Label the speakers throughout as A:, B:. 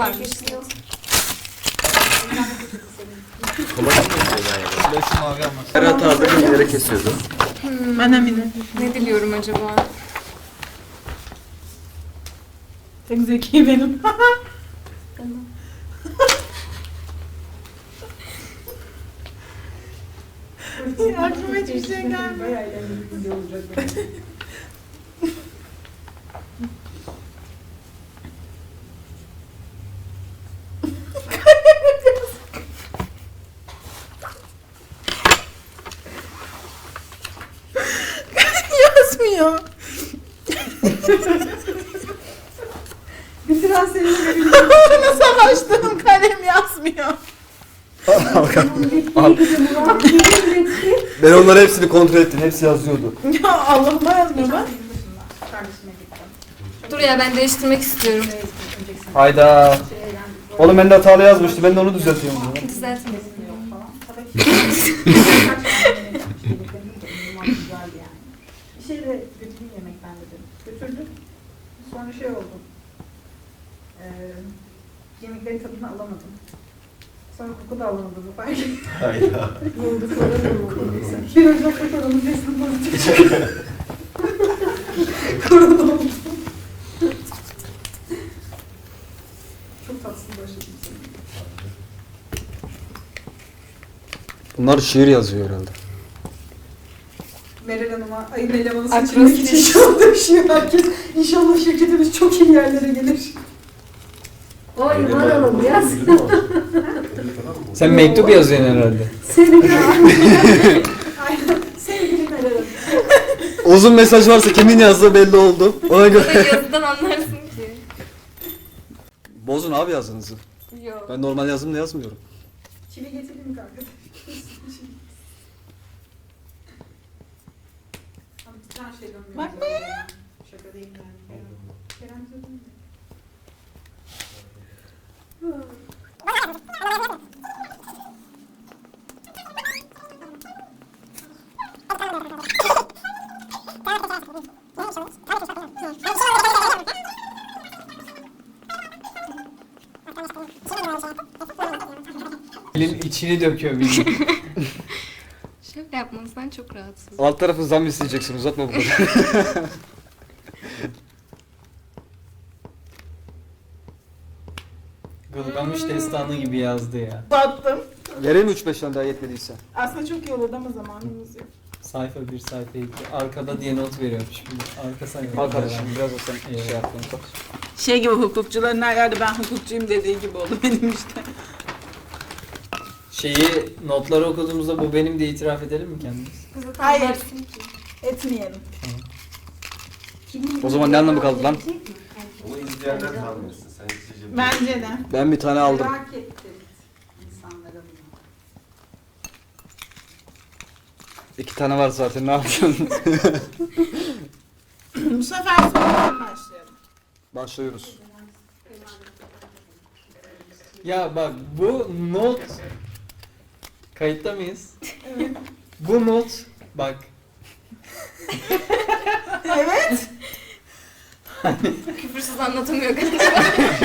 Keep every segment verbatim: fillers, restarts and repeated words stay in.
A: varmış.
B: Kolay mı galiba?
C: Ben şu mavi almak.
B: Ferhat abi ileri kesiyordu.
A: Hmm.
D: Ben eminim.
A: Ne diliyorum acaba?
D: Tek zeki benim. Aklıma hiçbir şey gelmiyor. Yazmıyor.
E: Bitiren senin
D: Onu savaştığım kalem yazmıyor.
B: Ben onları hepsini kontrol ettim. Hepsi yazıyordu.
D: Ya Allah'ıma yazmıyor bak.
E: kardeşime gittim.
A: Dur ya ben değiştirmek istiyorum.
B: Hayda. Oğlum ben de hatalı yazmıştım. Ben de onu düzeltiyorum.
A: Düzeltme.
E: Bir şey de götüreyim yemekten dedim. Götürdüm. Sonra şey oldu. Ee, yemeklerin tadını alamadım. Sonra koku da alamadım. Fark ettim.
B: Hayda.
E: Bir ocakta koronun besini pozitif. Korona oldu. Çok tatsız başladım seni.
B: Bunlar şiir yazıyor herhalde.
E: Meral Hanım'a ayın elemanı seçilmek için
A: Akrostiş.
E: şu anda üşüyor herkes. İnşallah şirketimiz çok iyi yerlere gelir.
F: Oy varalım yaz.
C: Sen mektup yazıyorsun herhalde.
F: Seni ya.
E: Aynen. Sevgili Meral Hanım.
B: Uzun mesaj varsa kimin yazdığı belli oldu. Ona
A: Bunu
B: göre.
A: yazıdan anlarsın ki.
B: Bozun abi yazınızı.
A: Yok.
B: Ben normal yazımla yazmıyorum.
E: Çivi getireyim mi kanka? Abi bir tane şey dönmüyor.
D: Bak
E: be. Şaka değil yani. Kerem bize dönmüyor.
C: Elin içini döküyor bildiğin.
A: Şaka yapmanızdan çok rahatsız.
B: Alt tarafı zam isteyeceksin. Uzatma bu kadar.
C: Gılgamış destanı gibi yazdı ya.
D: Battım.
B: Vereyim mi üç beş tane daha yetmediyse?
D: Aslında çok iyi olurdu ama zamanımız yok.
C: Sayfa bir sayfa iki. Arkada diye not veriyorum şimdi. Arka sayfa.
B: Al kardeşim biraz da sen
C: Evet.
B: şey yaptın. Bak.
D: Şey gibi hukukçuların her yerde ben hukukçuyum dediği gibi oldu benim işte.
C: Şeyi notları okuduğumuzda bu benim diye itiraf edelim mi kendimiz?
A: Kızı
D: Hayır.
A: tanırsın ki.
D: Etmeyelim.
B: O zaman ne anlamı kaldı lan?
G: Onu izleyenler tanımıyorsun. Sen izleyeceksin.
D: Bence de.
B: Ben bir tane aldım.
E: Merak ettim insanlara bunu.
B: İki tane var zaten ne yapacaksın?
D: Bu sefer sonradan başlayalım.
B: Başlıyoruz.
C: Ya bak bu not kayıtta mıyız? Evet. Bu not bak
D: Evet.
A: Küfürsüz anlatamıyor galiba.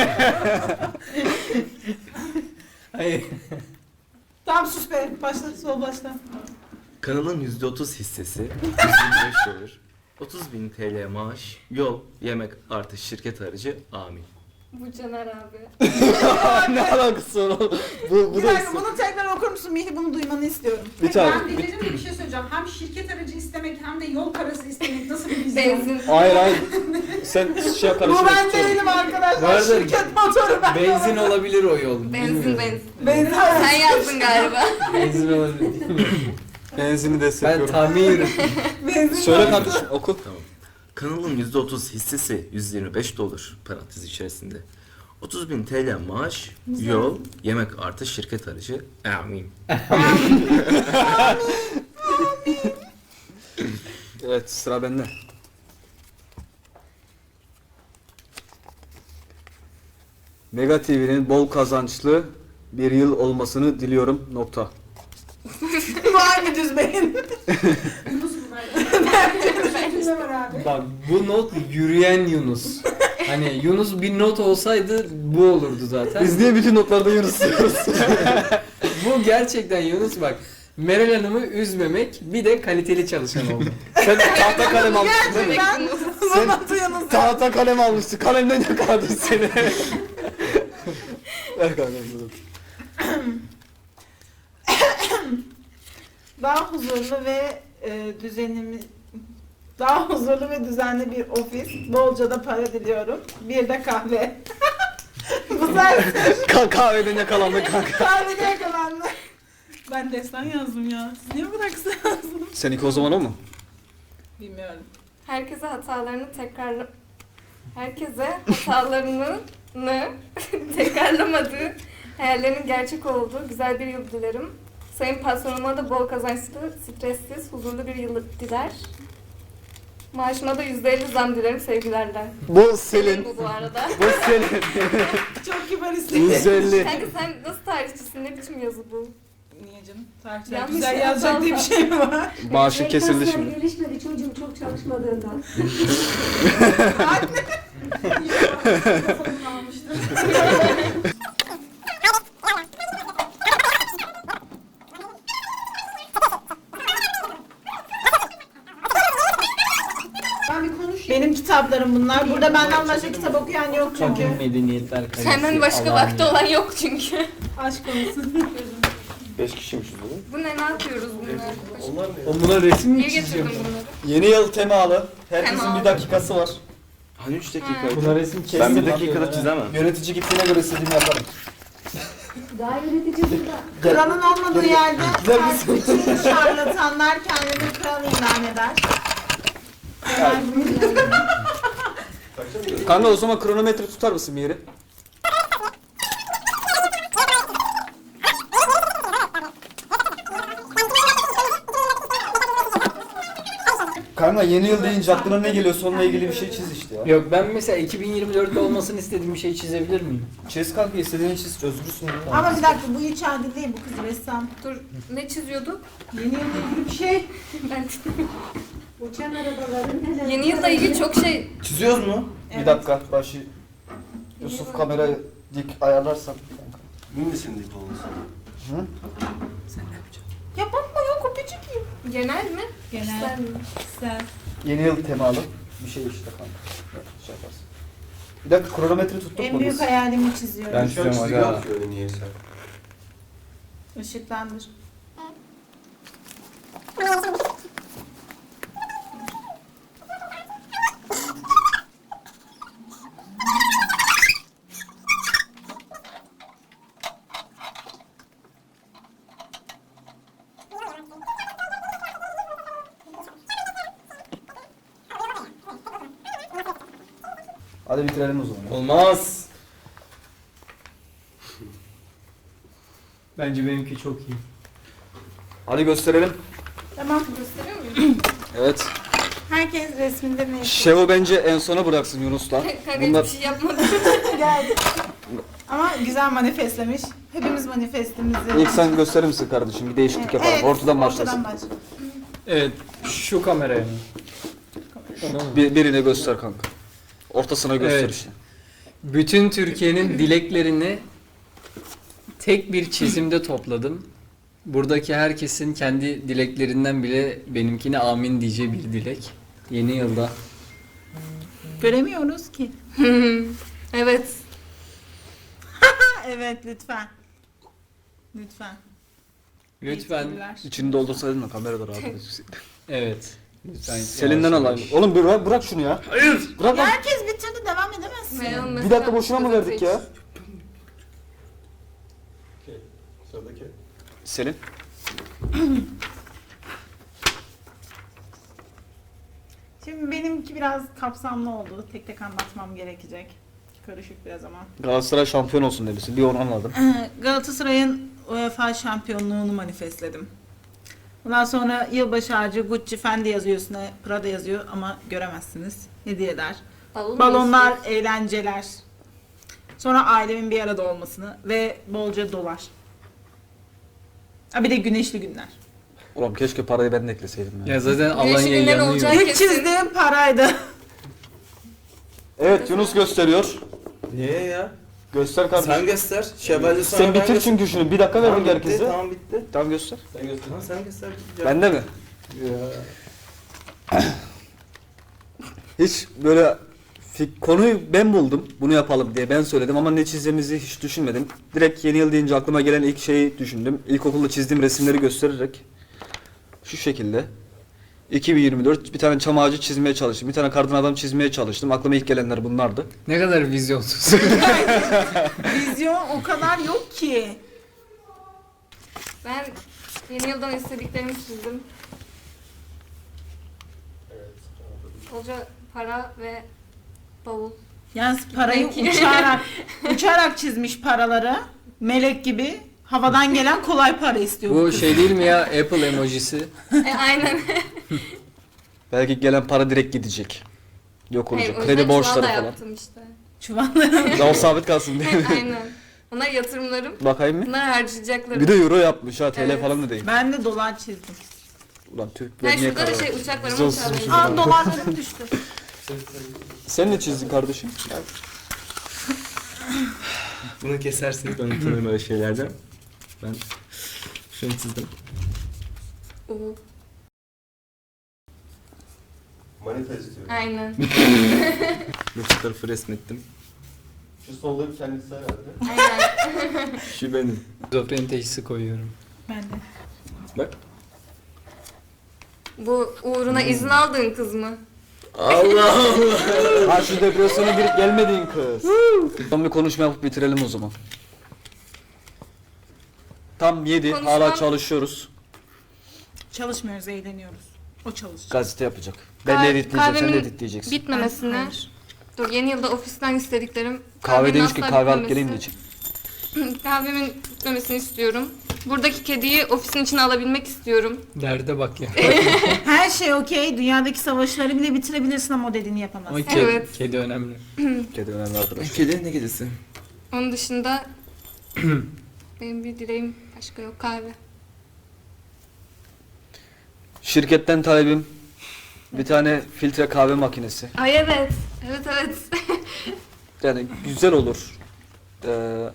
C: hayır.
D: Tamam sus be. Başla sol başla.
G: Kanalın yüzde otuz hissesi yüz yirmi beş dolar. otuz bin T L maaş, yol, yemek artı şirket harcı amin.
A: Bu Caner abi.
B: Ne alakası var oğlum? Bu, bu
D: Bir
B: da
D: dakika bunu tekrar okur musun Mihi? Bunu duymanı istiyorum.
B: bir tane.
E: Ben delirdim de bir şey söyleyeceğim. Hem şirket aracı istemek hem de yol parası istemek nasıl bir vizyon?
A: Benzin.
B: Hayır hayır. Sen şey
D: Bu
B: karıştırma.
D: ben değilim arkadaşlar.
C: Vardır.
D: Şirket motoru ben.
C: Benzin olabilir o yol.
A: Benzin
C: bilmiyorum.
A: benzin.
D: Benzin.
A: Sen yazdın galiba.
C: Benzin olabilir.
B: Benzini
C: Ben
B: destekliyorum.
C: tahmin
D: Benzin.
B: Söyle kardeşim oku.
G: Tamam. Kanalın yüzde otuz hissesi yüz yirmi beş dolar parantez içerisinde. otuz bin T L maaş, yol, yemek artı şirket harcı amin.
B: Evet sıra bende. Mega T V'nin bol kazançlı bir yıl olmasını diliyorum. Nokta.
D: Var mı düz beyin?
E: Yunus mu var? Bence de var abi.
C: Bak bu not yürüyen Yunus. Hani Yunus bir not olsaydı bu olurdu zaten.
B: Biz niye bütün notlarda Yunus diyoruz?
C: Bu gerçekten Yunus bak. Meral Hanım'ı üzmemek bir de kaliteli çalışan oldu.
B: Sen tahta kalem almışsın değil mi?
D: Ben
B: Sen
D: Murat'ı yanınızda.
B: tahta kalem almışsın. Kalemden yakaladın seni. Ver kanka.
D: Daha huzurlu ve e, düzenli daha huzurlu ve düzenli bir ofis. Bolca da para diliyorum. Bir de kahve. Bu sefer
B: Ka kahveden yakalandı kanka.
D: kahvede yakalandı. Ben destan yazdım ya. Siz niye bıraksın yazdım?
B: Seninki o zaman o mu?
D: Bilmiyorum.
A: Herkese hatalarını tekrar herkese hatalarını tekrarlamadığı, hayallerinin gerçek olduğu güzel bir yıl dilerim. Sayın patronuma da bol kazançlı, stressiz, huzurlu bir yıl diler. Maaşıma da yüzde elli zam dilerim sevgilerle.
B: Bu Selin.
A: Bu bu arada.
B: Bu Selin.
D: Çok kibar istedim.
B: yüz elli.
A: Kanka sen nasıl tarihçisin? Ne biçim yazı bu?
D: Niye canım? Tarihçiler
A: Yanlış
D: güzel
A: yazdı
D: yazacak diye bir
A: Allah.
D: şey mi var?
B: Maaşı kesildi
F: Kaslar
B: şimdi.
F: gelişmedi çocuğum çok çalışmadığından.
E: Ben bir konuşayım.
D: Benim kitaplarım bunlar. Burada benden başka kitap okuyan yok
C: Çok
D: çünkü.
C: medeniyetler kalitesi.
A: Senden başka
C: Allah'ın
A: vakti olan yok çünkü.
D: Aşk olsun.
G: beş kişiymişiz değil mi?
A: Bu ne? Ne yapıyoruz bunlar?
C: Oğlum buna resim mi
A: Niye
C: çizeceğim?
A: getirdin bunları?
B: Yeni yıl temalı. Herkesin
A: Temalı.
B: bir dakikası var.
G: Hani üç dakika?
C: Buna resim kestim.
G: Ben bir dakikada çizemem.
B: Yönetici gittiğine göre istediğimi yaparım.
F: Daha yönetici burada.
D: Kralın olmadığı yerde
B: Güzel bir
D: bütün şarlatanlar kendini kral ilan eder.
B: Kanka o zaman kronometre tutar mısın bir yeri? Kanka yeni yıl deyince aklına ne geliyor? Onunla ilgili bir şey çiz işte ya.
C: Yok ben mesela iki bin yirmi dörtte olmasını istediğim bir şey çizebilir miyim?
B: Çiz kanka istediğini çiz. Özgürsün ya.
D: Ama bir dakika bu hiç adil değil, bu kız ressam.
A: Dur, ne çiziyorduk?
D: Yeni yılla ilgili bir şey.
A: Ben
F: Uçan arabaların neler.
A: Yeni yılda ilgili çok şey...
B: Çiziyoruz mu?
D: Evet.
B: Bir dakika başı. Yusuf kamerayı dik ayarlarsan.
H: Minisin dik olmasın.
B: Hı?
D: Ya bakma ya kopyacık mıyım?
A: Genel mi?
D: Genel.
A: Kişisel mi?
D: Güzel.
B: Yeni yıl temalı bir şey işte kanka. Şey yaparsın. Bir dakika kronometre tuttuk
D: En
B: mu
D: büyük
B: biz?
D: hayalimi çiziyorum.
C: Ben
H: Şu an
C: çiziyorum
H: çizgi
C: aga.
H: atıyor öyle niyeyse.
D: Işıklandır.
B: Hadi bitirelim o zaman.
C: Olmaz. Bence benimki çok iyi.
B: Hadi gösterelim.
D: Tamam.
A: Gösteriyor muyum?
B: Evet.
D: Herkes resminde ne
B: Şevo bence en sona bıraksın Yunus'la.
A: Kanka
B: Bunlar
A: hiçbir şey yapmadım.
D: geldi. Ama güzel manifestlemiş. Hepimiz manifestimizi.
B: ilk sen gösterir misin kardeşim? Bir değişiklik yapalım.
D: Evet,
B: Ortadan başlasın.
D: başla.
C: Evet şu kameraya mı? Tamam.
B: Bir, birine göster kanka. Ortasına göster
C: Evet.
B: işte.
C: Bütün Türkiye'nin dileklerini tek bir çizimde topladım. Buradaki herkesin kendi dileklerinden bile benimkine amin diyeceği bir dilek. Yeni yılda.
D: Göremiyoruz ki.
A: Evet.
D: Ha, evet lütfen. Lütfen.
C: Lütfen.
D: Yetkililer.
B: İçini doldursaydın da kamerada rahat gözüksün.
C: Evet. Lütfen.
B: Selin'den
C: yavaş
B: alalım.
C: yavaş.
B: Oğlum bir bırak, bırak şunu ya. Hayır. Bırak
D: Ya
B: lan.
D: herkes bitirdi, devam edemezsin.
A: Meral
B: Bir
A: mesela
B: dakika boşuna mı verdik ya?
H: Sıradaki.
B: Selin.
D: Şimdi benimki biraz kapsamlı oldu. Tek tek anlatmam gerekecek. Karışık biraz ama.
B: Galatasaray şampiyon olsun demişsin. Bir onu anladım.
D: Galatasaray'ın UEFA şampiyonluğunu manifestledim. Ondan sonra yılbaşı ağacı Gucci, Fendi yazıyor üstüne, Prada yazıyor ama göremezsiniz. Hediyeler.
A: Balon
D: Balonlar,
A: istiyorsun.
D: eğlenceler. Sonra ailemin bir arada olmasını ve bolca dolar. Ha bir de güneşli günler.
B: Oğlum keşke parayı ben de ekleseydim ya.
C: Ya zaten
A: Alanya
C: Alanya
A: günler
C: yanıyor.
A: olacak.
D: İlk
A: Herkesin-
D: çizdiğim paraydı.
B: Evet Yunus gösteriyor.
G: Niye ya?
B: Göster kardeşim.
G: Sen göster. Şevvalde sonra
B: Sen
G: ben
B: bitir
G: göster-
B: çünkü şunu. Bir dakika
G: Tamam
B: verin
G: bitti,
B: herkese.
G: tamam bitti.
B: Tamam göster.
H: Sen göster.
G: Tamam sen göster.
B: Bende mi?
H: Ya.
B: Hiç böyle fik- konuyu ben buldum. Bunu yapalım diye ben söyledim ama ne çizeceğimizi hiç düşünmedim. Direkt yeni yıl deyince aklıma gelen ilk şeyi düşündüm. İlkokulda çizdiğim resimleri göstererek şu şekilde iki bin yirmi dört bir tane çam ağacı çizmeye çalıştım. Bir tane kardan adam çizmeye çalıştım. Aklıma ilk gelenler bunlardı.
C: Ne kadar vizyonsuz.
D: Vizyon o kadar yok ki.
A: Ben yeni yıldan istediklerimi çizdim.
H: Evet.
A: Bolca para ve bavul.
D: Yalnız parayı
A: Peki.
D: uçarak uçarak çizmiş paraları. Melek gibi havadan gelen kolay para istiyor.
C: Bu
D: kız.
C: şey değil mi ya, Apple emojisi?
A: E, aynen.
B: Belki gelen para direkt gidecek. Yok
A: Hayır,
B: olacak.
A: o yüzden
B: Kredi
A: çuval
B: borçları
A: da
B: falan.
A: yaptım işte.
D: Çuvalları.
B: Daha o sabit kalsın diye.
A: Aynen. Onlar yatırımlarım.
B: Bakayım mı?
A: Bunlar harcayacaklarım.
B: Bir de euro yapmış ha T L
A: Evet.
B: falan da değil.
D: Ben de dolar çizdim.
B: Ulan Türk
A: Ha,
B: niye
A: şurada da
B: karar
A: şey
B: verdin?
A: uçak var
B: Biz
A: ama
B: olsun
A: uçağa
B: şimdi.
A: benziyor.
D: Aa dolarlarım düştü.
B: Sen ne çizdin kardeşim?
G: Bunu kesersiniz, ben unuturum öyle şeylerden. Ben şunu çizdim.
A: Oo,
H: Manita istiyorum.
A: aynen.
G: Bu fotoğrafı resmettim.
H: Şu solda kendisi herhalde.
A: Aynen.
G: Şu benim.
C: Şizofreni teşhisi koyuyorum.
D: Ben de.
G: Bak.
A: Bu uğruna izin aldığın kız mı?
G: Allah Allah.
B: Ha şu depresyona girip gelmediğin kız. Son bir konuşma yapıp bitirelim o zaman. Tam yedi.
A: Konuşmam-
B: Hala çalışıyoruz.
D: Çalışmıyoruz, eğleniyoruz. O çalışacak.
B: Gazete yapacak. Ben de
A: Kah-
B: editleyeceğim, sen de
A: kahvemin
B: editleyeceksin.
A: Bitmemesini.
D: Hayır.
A: Dur, yeni yılda ofisten istediklerim.
B: Kahve
A: kahvenin
B: demişken
A: asla
B: kahve alıp
A: bitmemesi-
B: geleyim de içeyim.
A: Kahvemin bitmemesini istiyorum. Buradaki kediyi ofisin içine alabilmek istiyorum.
C: Derde bak ya.
D: Her şey okey. Dünyadaki savaşları bile bitirebilirsin ama o dediğini
C: Ama
D: yapamazsın.
C: kedi,
A: Evet.
C: kedi önemli.
B: Kedi önemli arkadaş.
G: Kedi ne kedisi?
A: Onun dışında benim bir dileğim başka yok, kahve.
B: Şirketten talebim bir tane filtre kahve makinesi.
A: Ay evet. Evet evet.
B: Yani güzel olur. Ee,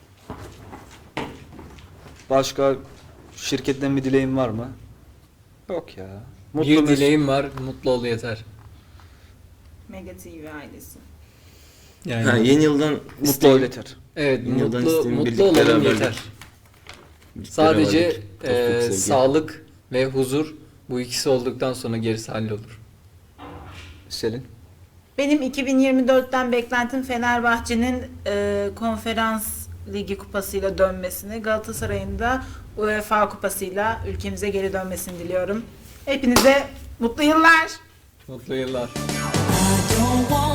B: başka şirketten bir dileğin var mı? Yok ya. Mutlu
C: bir
B: mesut-
C: dileğim var, mutlu ol yeter.
D: Mega T V ailesi.
C: Yani
G: Ha, yeni yıldan
B: Mutlu ol
G: isteğim-
B: yeter.
C: evet,
G: Yeni yıldan
C: mutlu
G: isteğim
C: mutlu
G: birlik,
C: olalım
G: beraberlik.
C: yeter.
G: birlik,
C: Sadece
G: beraberlik, dostluk,
C: e,
G: sevgi.
C: sağlık ve huzur, bu ikisi olduktan sonra gerisi hallolur.
B: Selin.
D: Benim iki bin yirmi dörtten beklentim Fenerbahçe'nin e, konferans ligi kupasıyla dönmesini, Galatasaray'ın da UEFA kupasıyla ülkemize geri dönmesini diliyorum. Hepinize mutlu yıllar.
C: Mutlu yıllar.
I: I don't want